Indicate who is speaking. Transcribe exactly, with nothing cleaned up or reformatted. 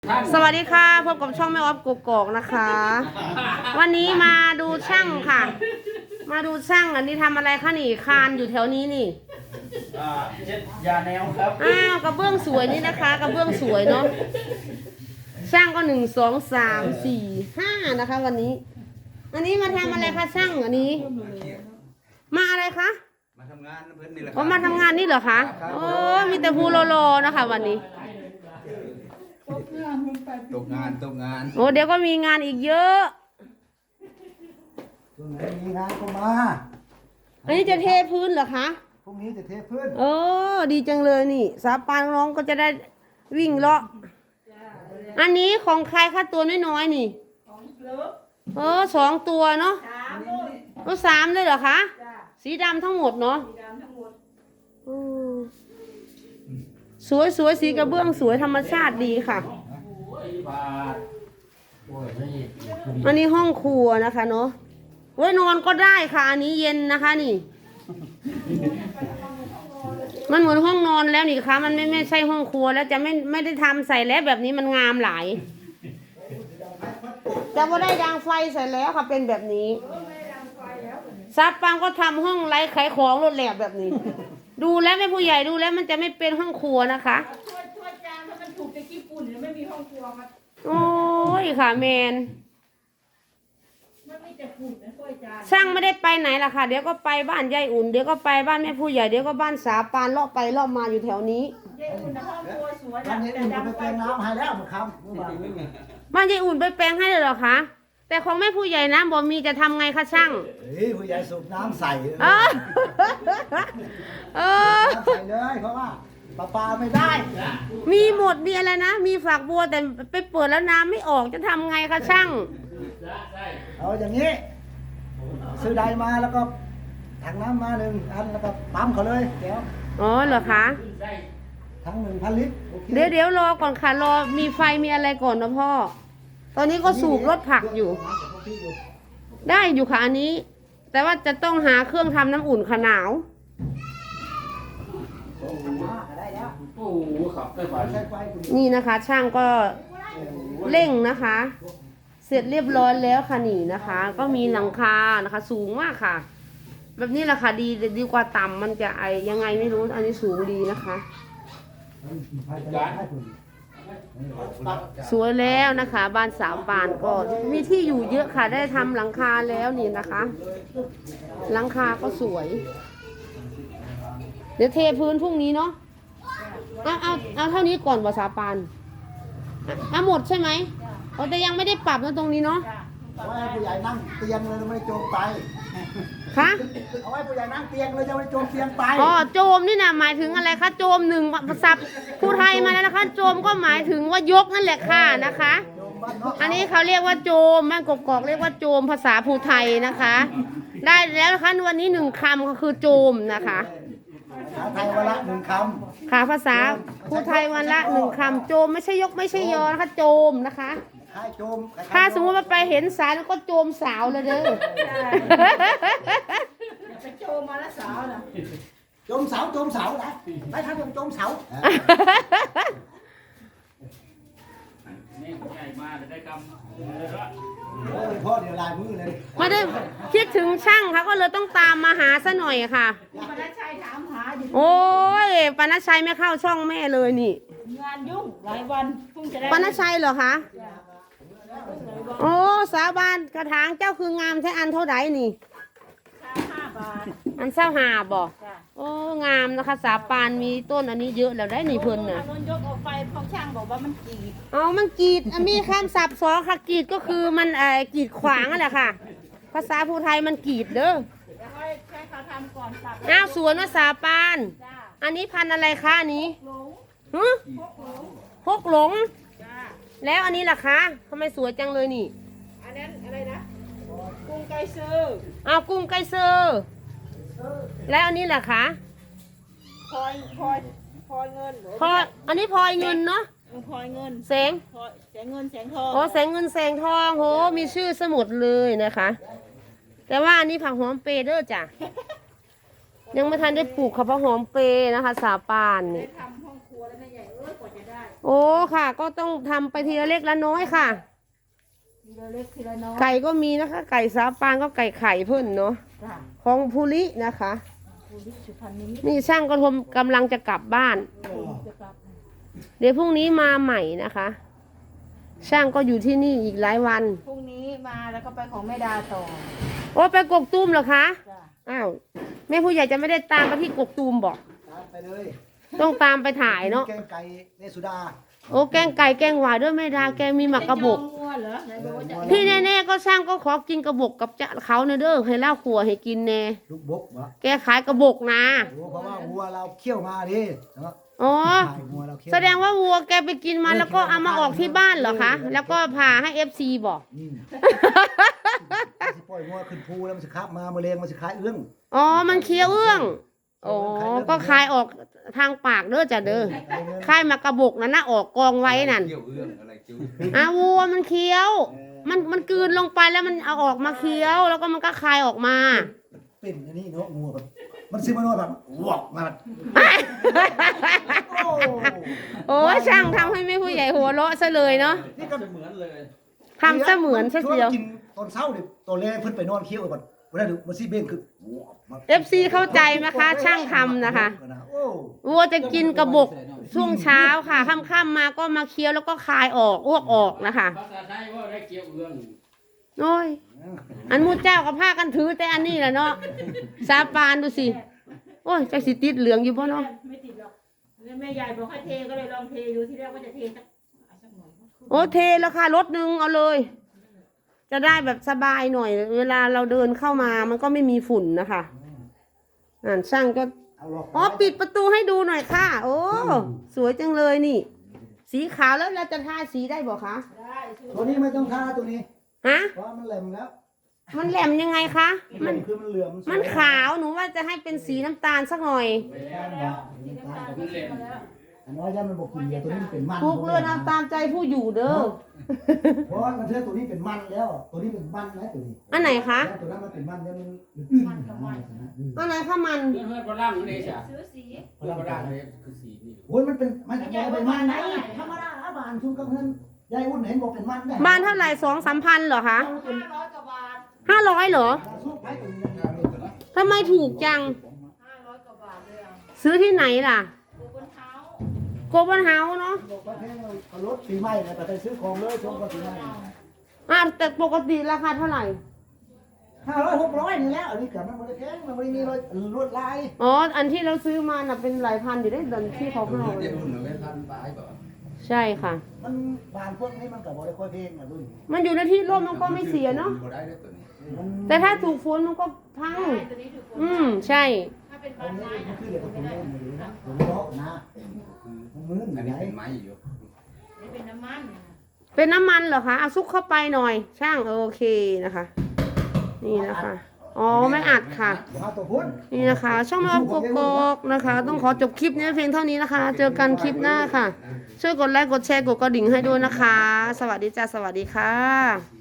Speaker 1: สวัสดีค่ะพบกับช่องแม่ออฟกกอกนะคะ วันนี้มาดูช่างค่ะ มาดูช่างอันนี้ทำอะไรคะนี่คานอยู่แถวนี้นี่
Speaker 2: อ่าเช็ดยาแนวครับ
Speaker 1: อ้าวกระเบื้องสวยนี่นะคะกระเบื้องสวยเนาะช่างก็หนึ่งสองสามสี่ห้านะคะ วันนี้ อันนี้มาทำอะไรคะช่างอันนี้ มาอะไรคะ
Speaker 2: มาทำงานเพื่อนนี่แหละ
Speaker 1: อ๋อมาทำงานนี่เหรอคะโอ้มีแต่ภูโลโลนะคะ วันนี้
Speaker 2: ตกงานตกงาน
Speaker 1: โอ้เดี๋ยวก็มีงานอีกเยอะ
Speaker 3: ตรงไหนมีงานก็มา
Speaker 1: อันนี้จะเทพื้นเหรอคะ
Speaker 3: พรุ่งนี้จะเทพื้น
Speaker 1: โอ้ดีจังเลยนี่สาปานน้องก็จะได้วิ่งเลาะอันนี้ของใครคะตัวน้อยๆนี่เออสองตัวเนาะก็สามเลยเหรอคะสีดำทั้งหมดเนาะอืมสวยสวยสีกระเบื้องสวยธรรมชาติดีค่ะ อันนี้ห้องครัวนะคะเนาะไว้นอนก็ได้ค่ะอันนี้เย็นนะคะนี่ มันเหมือนห้องนอนแล้วนี่คะมันไม่ไม่ใช่ห้องครัวแล้วจะไม่ไม่ได้ทำใส่แล้วแบบนี้มันงามหลายจะไม่ได้ดังไฟใส่แล้วค่ะเป็นแบบนี้ซับปังก็ทำห้องไร้ขายของรถแหลบแบบนี้ ดูแล้วแม่ผู้ใหญ่ดูแล้วมันจะไม่เป็นห้องครัวนะคะ
Speaker 4: ถ้วยถ้วยจานถ้ามันถูกจากญี่ปุ่นเนี่ยไม่มีห้องครัวมัน
Speaker 1: โอ้ยค่ะแมน
Speaker 4: มันไม่จะฝุ่นนะถ้วยจาน
Speaker 1: ช่างไม่ได้ไปไหนล่ะค่ะเดี๋ยวก็ไปบ้านยายอุ่นเดี๋ยวก็ไปบ้านแม่ผู้ใหญ่เดี๋ยวก็บ้านสาปานเลาะไปเลาะมาอยู่แถวนี้
Speaker 4: ยายอุ่นนะห้องครัวสวย
Speaker 3: วัน
Speaker 4: นะ
Speaker 3: นี้
Speaker 4: แต่
Speaker 3: อุ่นจะไป
Speaker 4: ดำ
Speaker 3: แปลงน้ำให้แล้วมาคำเมื่อวาน
Speaker 1: บ้านยายอุ่นไปแปลงให้เลยเหรอคะแต่ของแม่ผู้ใหญ่นะบอกมีจะทำไงคะช่าง
Speaker 3: เฮ้ยผู้ใหญ่สูบน้ำใส่เลย
Speaker 1: เออเออ
Speaker 3: น้ำใส่เลยเพราะว่าปลาปลาไม่ได้
Speaker 1: มีหมดมีอะไรนะ มีฝักบัวแต่ไปเปิดแล้วน้ำไม่ออกจะทำไงคะช่าง
Speaker 3: เอาอย่างนี้ ซื้อใดมาแล้วก็ถังน้ำมาหนึ่งอันแล้วก็ปั๊มเขาเลยเดี๋ยว
Speaker 1: อ๋อเหรอคะ
Speaker 3: ทั้งหนึ่งพันลิตรโอค
Speaker 1: เดี๋ยวเดี๋ยวรอก่อนค่ะรอมีไฟมีอะไรก่อนนะพ่อ ตอนนี้ก็สูบรถผักอยู่ ได้อยู่ค่ะอันนี้ แต่ว่าจะต้องหาเครื่องทำน้ำอุ่นค่ะหนาว
Speaker 3: ได้แล้ว
Speaker 2: โอ้โหขับได้ไหว
Speaker 3: ใช้ไฟคุณ
Speaker 1: นี่นะคะ ช่างก็เร่งนะคะ เสร็จเรียบร้อยแล้วค่ะนี่นะคะ ก็มีหลังคานะคะ สูงมากค่ะ แบบนี้แหละค่ะดีดีกว่าต่ำมันจะไอยังไงไม่รู้อันนี้สูงดีนะคะ
Speaker 3: ไฟจะให้คุณ
Speaker 1: สวยแล้วนะคะ บ้านสาวปานก็มีที่อยู่เยอะค่ะได้ทำหลังคาแล้วนี่นะคะ หลังคาก็สวย เดี๋ยวเทพื้นพรุ่งนี้เนาะเอาเอาเอาเท่านี้ก่อนว่าสาวปานอ่ะเอาหมดใช่ไหมเอาแต่ยังไม่ได้ปรับนะตรงนี้เนาะ
Speaker 3: เอาไว้ให้ผู้ใหญ่นั่งเตียงเลยไม่ได้โจมไป
Speaker 1: คะ
Speaker 3: เอาไว้ผู้ใหญ่นั่งเตียงเลยจะไม่โจมเตียงไป
Speaker 1: อ๋อโจมนี่นะหมายถึงอะไรคะโจมหนึ่งภาษาผู้ไทยมาแล้วนะคะ โจมก็หมายถึงว่ายกนั่นแหละค่ะนะคะ
Speaker 3: โจมบ้านนอก
Speaker 1: อันนี้เขาเรียกว่าโจมบ้านกกอกเรียกว่าโจมภาษาภูไทยนะคะ ได้แล้วนะคะวันนี้หนึ่งคำก็คือโจมนะคะ
Speaker 3: ภาษาไทยวันละหนึ่งค
Speaker 1: ค่ะภาษาภูไทยวันละหนึ่งคำโจมไม่ใช่ยกไม่ใช่ยอนะคะโจมนะคะ
Speaker 3: ำให้โจม
Speaker 1: ถ้าสมมติว่าไปเห็นสาวแล้วก็โจมสาวเลยเด้อ
Speaker 4: ไปโจมมาแล้วสาวนะ
Speaker 3: โจมเสาโจมเสานะไม่ทำโจมเสา
Speaker 2: นี่ใหญ่มาจะได้กำเลยละ
Speaker 3: โอ้ยพ่อเดี๋ยวลายมือเลย
Speaker 1: ไม่ได้คิดถึงช่างค่ะก็เลยต้องตามมาหาซะหน่อยค่ะ
Speaker 4: มาได้ชายถามหาอยู่
Speaker 1: โอ้ยปานชัยไม่เข้าช่องแม่เลยนี่
Speaker 4: งานยุ่งหลายวันเพิ่งจะได้
Speaker 1: ปานชัยเหรอคะโอ้สาบานกระถางเจ้าคืองามใช้อันเท่าไหร่นี่
Speaker 4: ค่าห้าบาท
Speaker 1: อันเศร้าหาบอก
Speaker 4: จ้ะ
Speaker 1: โอ้งามนะคะ สาปานมีต้นอันนี้เยอะแล้วได้นี่เพิ่นน่ะ
Speaker 4: เอานนยกออกไปพอช่างบอกว่ามันจีบ
Speaker 1: เอามันกรีดอ่ะมีคำศัพท์สองค่ะกรีดก็คือมันเอ่อกรีดขวางนั่นแหละค่ะ ภาษาภูไทยมันกรีดเด้อ
Speaker 4: แล้วก็ให้เขาทำก่อนสับ
Speaker 1: อ้าวสวนว่าสาปาน
Speaker 4: จ้า
Speaker 1: อันนี้พันธุ์อะไรคะอันนี้
Speaker 4: หลง
Speaker 1: ฮึ
Speaker 4: พกหลง
Speaker 1: พกหลง
Speaker 4: จ้า
Speaker 1: แล้วอันนี้ล่ะคะทำไมสวยจังเลยนี่
Speaker 4: อันนั้นอะไรนะกุ้งไก่ซื้อ
Speaker 1: อ้าวกุ้งไก่เซอร์แล้วอันนี้ล่ะคะ
Speaker 4: พลอยพลอยพลอยเงินหรือ
Speaker 1: พลอยอันนี้พลอยเงินเนาะ
Speaker 4: พลอยเงิน
Speaker 1: แสง
Speaker 4: พลอยแสงเงินแสงทอง
Speaker 1: โอ้แสงเงินแสงทองโหมีชื่อสมุดเลยนะคะ แต่ว่าอันนี้ผักหอมเปรย์เด้อจ้ะ ยังไม่ทันได้ปลูกค่ะผักหอมเปรย์นะคะ สาปานนี่
Speaker 4: ทำห้องครัวแล้วแม่ใหญ่เอ้ยกว่าจะได้
Speaker 1: โอ้ค่ะ ก็ต้องทำไปทีละเล็กละน้อยค่ะ
Speaker 4: ทีละเล็กทีละน้อย
Speaker 1: ไก่ก็มีนะคะ ไก่สาปานก็ไก่ไข่เพิ่นเนาะ
Speaker 4: จ้ะ
Speaker 1: ของภูรินะคะ
Speaker 4: ภูริสุพรรณนิมิตร
Speaker 1: นี่ช่างก็ทมกำลังจะกลับบ้าน
Speaker 4: จะกลับ
Speaker 1: เดี๋ยวพรุ่งนี้มาใหม่นะคะ ช่างก็อยู่ที่นี่อีกหลายวัน
Speaker 4: พรุ่งนี้มาแล้วก็ไปของแม่ดาต่อ
Speaker 1: โอ้ไปกกตูมเหรอคะ
Speaker 4: จ้ะ
Speaker 1: อ้าวแม่ผู้ใหญ่จะไม่ได้ตามไปที่กกตูมบอก
Speaker 3: ตามไปเลย
Speaker 1: ต้องตามไปถ่ายเนาะ
Speaker 3: แกงไก่เนสุดา
Speaker 1: โอ้แกงไก่แกงหวายด้วยแม่ดาแกงมีหมักกระบก
Speaker 4: จองงัวเหรอไหนบอกว่าจะ
Speaker 1: พี่แน่ๆก็ช่างก็ขอกินกระบกกับจะเขาเนอะเด้อให้เล่าขัวให้กินแน่
Speaker 3: ลูกบกวะ
Speaker 1: แกขายกระบกนะ
Speaker 3: โอ้เพราะว่าวัวเราเคี่ยวมาดิเนาะ
Speaker 1: อ๋อ
Speaker 3: ขายวัวเราเคี่ยว
Speaker 1: แสดงว่าวัวแกไปกินมาแล้วก็เอามาออกที่บ้านเหรอคะ แล้วก็พาให้เอฟซีบอก
Speaker 3: อืมสิปล่อยวัวขึ้นภูแล้วมันสิคาบมาแมลงมันสิคายเอื้อง
Speaker 1: อ๋อ มันเคี้ยวเอื้อง อ๋อ ก็คายออกทางปากเด้อจ้ะเด้อคายมากระบกนั่นนะออกกองไว้นั่น
Speaker 5: เกี่ยวเอื้องอะไรจิ้ว
Speaker 1: อ่ะวัวมันเคี้ยว มันมันกลืนลงไปแล้วมันเอาออกมาเคี้ยว แล้วก็มันก็คายออกมา
Speaker 3: เป็นอันนี้เนาะงัวแบบมันซื้อมานอนแบบวอกมาแบบโอ้
Speaker 1: โอ้ยช่างทำให้แม่ผู้ใหญ่หัวเราะซะเลยเนาะ
Speaker 3: นี่ก็
Speaker 2: เหมือนเลย
Speaker 1: ทำเสมือนซะเสียว
Speaker 3: กินตอนเช้าเนี่ยตอนแรกเพิ่นไปนอนเคี้ยวก่อนเวลาดูมันซีเบ้งคือวอกมา
Speaker 1: เอฟซีเข้าใจไหมคะ ช่างทำนะคะ
Speaker 3: โอ้
Speaker 1: วัวจะกินกระบกช่วงเช้าค่ะค่ำๆมาก็มาเคี้ยวแล้วก็คายออกอ้วกออกนะคะ
Speaker 2: ภาษาไทยว่าได้เกี่ยวเอื้อง
Speaker 1: โอ้ย อันมูเจ้ากับผ้ากันถือแต่อันนี้แหละเนาะสาปานดูสิ โอ้ยจะสิติดเหลืองอยู่ป่ะเนาะ
Speaker 4: ไม่ติดหรอกแล้วแม่ใหญ่บอกให้เทก็เลยลองเทดูที่แรกว่าจะเทสักเอาสักหน่อย
Speaker 1: โอ้เทแล้วค่ะรถหนึ่งเอาเลย จะได้แบบสบายหน่อย เวลาเราเดินเข้ามามันก็ไม่มีฝุ่นนะคะอ่านช่างก็
Speaker 3: เอาหรอก
Speaker 1: อ๋อปิดประตูให้ดูหน่อยค่ะ โอ้สวยจังเลยนี่ สีขาวแล้วเราจะทาสีได้บอกคะ
Speaker 4: ได้ชู
Speaker 3: ตัวนี้ไม่ต้องทาตัวนี้
Speaker 1: ฮะ
Speaker 3: เพราะว่ามันแหลมแล้ว
Speaker 1: มันแหลมยังไงคะ
Speaker 3: มั
Speaker 1: มัน
Speaker 3: นคือมันเหลือมสวย
Speaker 1: มันขาวหนูว่าจะให้เป็นสีน้ำตาลสักหน่อย
Speaker 2: ไปแล้ว
Speaker 4: แล้วสีน้ำตาลก็ขึ้นมาแล้ว
Speaker 3: อันน้อยย่ามันบอกกินเดียวตัวนี้มันเป็นมัน
Speaker 1: ทุกเรือนเอาตามใจผู้อยู่เด้อ
Speaker 3: เพราะว่ามันเชื่อตัวนี้เป็นมันแล้ว ตัวนี้เป็นมันนะตัวนี้
Speaker 1: อันไหนคะ
Speaker 3: แล้วตัวนั้นมันเป็นมันแล้วมัน
Speaker 4: มันกับมัน
Speaker 1: อันไหนคะมัน
Speaker 2: เพื่อนเพื่อนฝรั่งนี่จ้ะ
Speaker 4: ซื้อสี
Speaker 2: เพื่อนฝรั่งนี่คือสีนี่
Speaker 3: โอ้ยมันเป็นมันเป็นมันไหนธรรมดาบานชุนกับเพื่อนยายอุ่นเห็นบอกเป็นมันได้
Speaker 1: บ้านเท่าไหร่สองสามพันเหรอคะ
Speaker 4: ห้าร้อยกว่าบาท
Speaker 1: ห้าร้อยเหรอ
Speaker 3: สู้ไปตัวนี้
Speaker 1: ทำไมถูกจัง
Speaker 4: ห้าร้อยกว่าบาทเลยอ่ะ
Speaker 1: ซื้อที่ไหนล่ะ
Speaker 4: ดูบนเท้า
Speaker 1: โกลบอลเฮาส์เนาะ
Speaker 3: บอกว่าแค่เอารถปีใหม่นะแต่ไปซื้อของเลยช่วงปีใหม่
Speaker 1: อ่าแต่ปกติราคาเท่าไหร่
Speaker 3: ห้าร้อยหกร้อยนี่แล้วอันนี้กับมันบริแพงมันไม่มีรถลวดลาย
Speaker 1: อ๋อ อันที่เราซื้อมาน่ะเป็นหลายพันอยู่ได้เดินที่เขาให้
Speaker 5: เดี๋ยวคุณหนูไม่ทันตายก่อน
Speaker 1: ใช่ค่ะ
Speaker 3: มันบานพวกนี้มันกับบริค่อยเพลงอ่ะดุน
Speaker 1: มันอยู่ในที่ร่มมันก็ไม่เสียเนาะ
Speaker 5: บ่ได้ด้วยตัวนี้
Speaker 3: มัน
Speaker 1: แต่ถ้าถูกฝนมันก็พัง
Speaker 4: ใช่ตัวนี้ถูกคน
Speaker 1: อืม ใช่
Speaker 4: ถ้าเป็น
Speaker 3: อั
Speaker 4: บาน น
Speaker 3: นี้
Speaker 4: ไม้
Speaker 3: มัน
Speaker 4: นะ
Speaker 3: คือเดี๋ยวผม
Speaker 4: ไม่
Speaker 3: เล่
Speaker 4: ได้
Speaker 3: นอยู่นะผมเลาะนะมันมืด
Speaker 5: อัน
Speaker 3: ไห
Speaker 5: นี้
Speaker 3: น
Speaker 5: เป็นไม้อยู่
Speaker 4: นี่เป็นน้ำมัน
Speaker 1: เป็นน้ำมันเหรอคะเอาซุกเข้าไปหน่อย ช่างโอเคนะคะ นี่นะคะ อ๋อ ไม่อัดค่ะ
Speaker 3: มาตัวพุ่น
Speaker 1: นี่นะคะ ช่องแม่ออฟกกอกนะคะ ต้องขอจบคลิปนี้เพียงเท่านี้นะคะ เจอกันคลิปหน้าค่ะ ช่วยกดไลค์กดแชร์กดกระดิ่งให้ด้วยนะคะ สวัสดีจ้าสวัสดีค่ะ